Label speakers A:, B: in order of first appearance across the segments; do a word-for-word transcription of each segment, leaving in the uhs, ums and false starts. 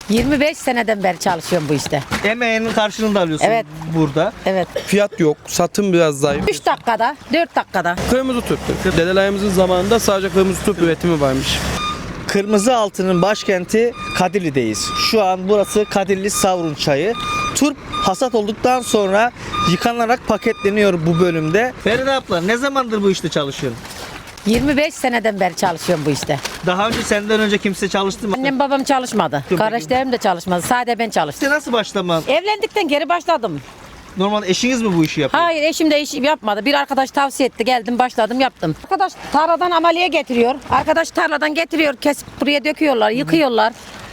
A: yirmi beş seneden beri çalışıyorum bu işte.
B: Emeğinin karşılığını da alıyorsun
A: Evet.
B: burada.
A: Evet.
C: Fiyat yok, satım biraz zayıf.
A: üç dakikada, dört dakikada.
C: Kırmızı tüp. Dedelerimizin zamanında sadece kırmızı tüp üretimi varmış.
B: Kırmızı Altı'nın başkenti Kadirli'deyiz. Şu an burası Kadirli Savrun Çayı. Turp hasat olduktan sonra yıkanarak paketleniyor bu bölümde. Feride abla ne zamandır bu işte çalışıyorsun?
A: yirmi beş seneden beri çalışıyorum bu işte.
B: Daha önce senden önce kimse çalıştı mı?
A: Annem babam çalışmadı.
B: Yok,
A: Kardeşlerim de çalışmadı. Sadece ben çalıştım.
B: İşte nasıl başlaman?
A: Evlendikten geri başladım.
B: Normal eşiniz mi bu işi yapıyor?
A: Hayır, eşim de iş yapmadı. Bir arkadaş tavsiye etti. Geldim, başladım, yaptım. Arkadaş tarladan amaliye getiriyor. Arkadaş tarladan getiriyor. Kesip buraya döküyorlar, yıkıyorlar.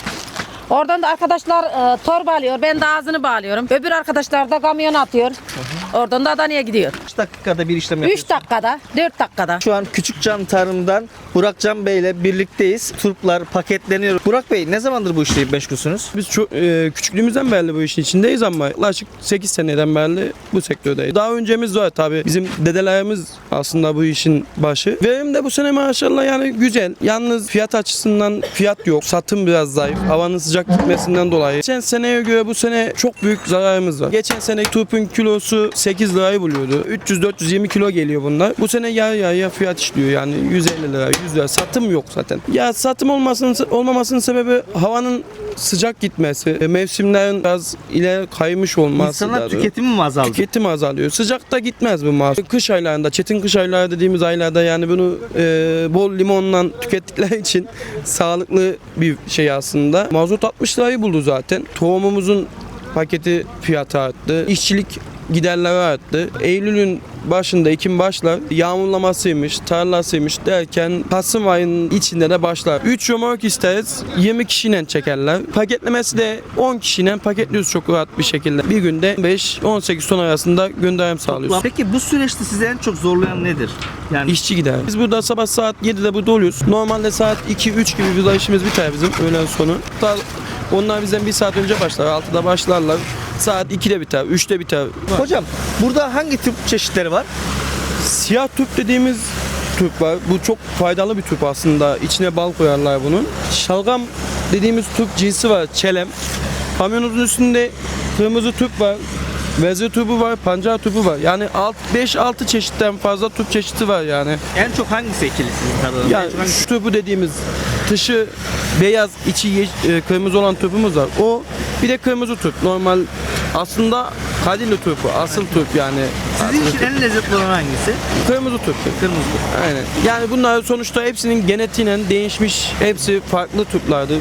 A: Oradan da arkadaşlar e, torba alıyor. Ben de ağzını bağlıyorum. Öbür arkadaşlar da kamyona atıyor. Oradan da Adana'ya gidiyor.
B: Kaç dakikada bir işlem yapıyorsun?
A: üç dakikada, dört dakikada.
B: Şu an Küçükcan Tarım'dan Burakcan Bey ile birlikteyiz. Turplar paketleniyor. Burak Bey ne zamandır bu işle meşgulsünüz?
C: Biz çok, e, küçüklüğümüzden beri bu işin içindeyiz ama yaklaşık sekiz seneden beri bu sektördeyiz. Daha öncemiz var tabii. Bizim dedelerimiz aslında bu işin başı. Verim de bu sene maşallah yani güzel. Yalnız fiyat açısından fiyat yok. Satım biraz zayıf. Havanın sıcak gitmesinden dolayı. Geçen seneye göre bu sene çok büyük zararımız var. Geçen sene turpun kilosu sekiz lirayı buluyordu. üç yüz dört yüz yirmi kilo geliyor bunlar. Bu sene yarı yarıya fiyat işliyor yani yüz elli lira, yüz lira. Satım yok zaten. Ya satım olmasının olmamasının sebebi havanın sıcak gitmesi, e, mevsimlerin biraz ileri kaymış olması.
B: İnsanlar
C: da-
B: tüketimi mi azaldı?
C: Tüketim azalıyor. Sıcakta gitmez bu mahsul. Kış aylarında, çetin kış ayları dediğimiz aylarda yani bunu e, bol limonla tükettikleri için sağlıklı bir şey aslında. Mazot altmış lirayı buldu zaten. Tohumumuzun paketi fiyatı arttı. İşçilik giderleri arttı. Eylül'ün başında ekim başlar. Yağmurlamasıymış, tarlasıymış derken Kasım ayının içinde de başlar. üç römork isteriz. yirmi kişiyle çekerler. Paketlemesi de on kişiyle paketliyoruz çok rahat bir şekilde. Bir günde beş on sekiz ton arasında gönderim sağlıyoruz.
B: Peki bu süreçte sizi en çok zorlayan nedir? Yani
C: İşçi gider. Biz burada sabah saat yedide burada oluyoruz. Normalde saat iki üç gibi bir işimiz biter bizim öğlen sonu. Hatta onlar bizden bir saat önce başlar. altıda başlarlar. Saat ikide biter, üçte biter.
B: hocam burada hangi tip çeşitleri var?
C: Siyah tüp dediğimiz tüp var. Bu çok faydalı bir tüp aslında. İçine bal koyarlar bunun. Şalgam dediğimiz tüp cinsi var. Çelem. Kamyonumuzun üstünde kırmızı tüp var. Vezir tüpü var, pancar tüpü var. Yani beş altı çeşitten fazla tüp çeşidi var yani.
B: En çok hangisi ekili sizin tarlanızda?
C: Yani
B: En çok hangisi-
C: şu tüpü dediğimiz dışı beyaz, içi ye- e, kırmızı olan tüpümüz var. O bir de kırmızı tüp. Normal aslında Kadirli tüpü, asıl tüp yani.
B: Sizin için en lezzetli olan hangisi?
C: Kırmızı tüp.
B: Kırmızı tüp.
C: Aynen. Yani bunlar sonuçta hepsinin genetiğiyle değişmiş, hepsi farklı tüplerdi.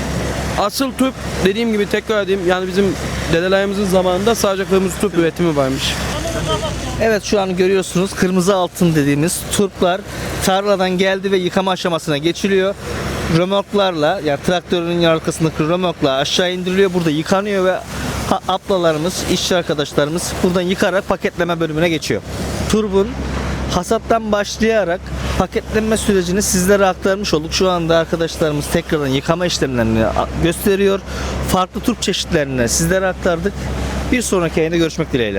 C: Asıl tüp dediğim gibi tekrar edeyim yani bizim dedelerimizin zamanında sadece kırmızı tüp üretimi varmış.
B: Evet şu an görüyorsunuz kırmızı altın dediğimiz turplar tarladan geldi ve yıkama aşamasına geçiliyor. Römorklarla yani traktörün arkasındaki römorkla aşağı indiriliyor. Burada yıkanıyor ve ha- ablalarımız, işçi arkadaşlarımız buradan yıkarak paketleme bölümüne geçiyor. Turbun hasattan başlayarak paketlenme sürecini sizlere aktarmış olduk. Şu anda arkadaşlarımız tekrardan yıkama işlemlerini a- gösteriyor. Farklı turp çeşitlerini sizlere aktardık. Bir sonraki yayında görüşmek dileğiyle.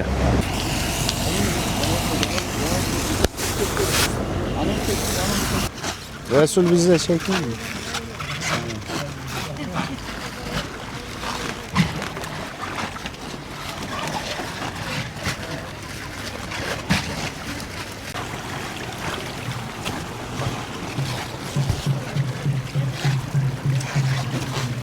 D: Resul bizi de çekmiyor mu?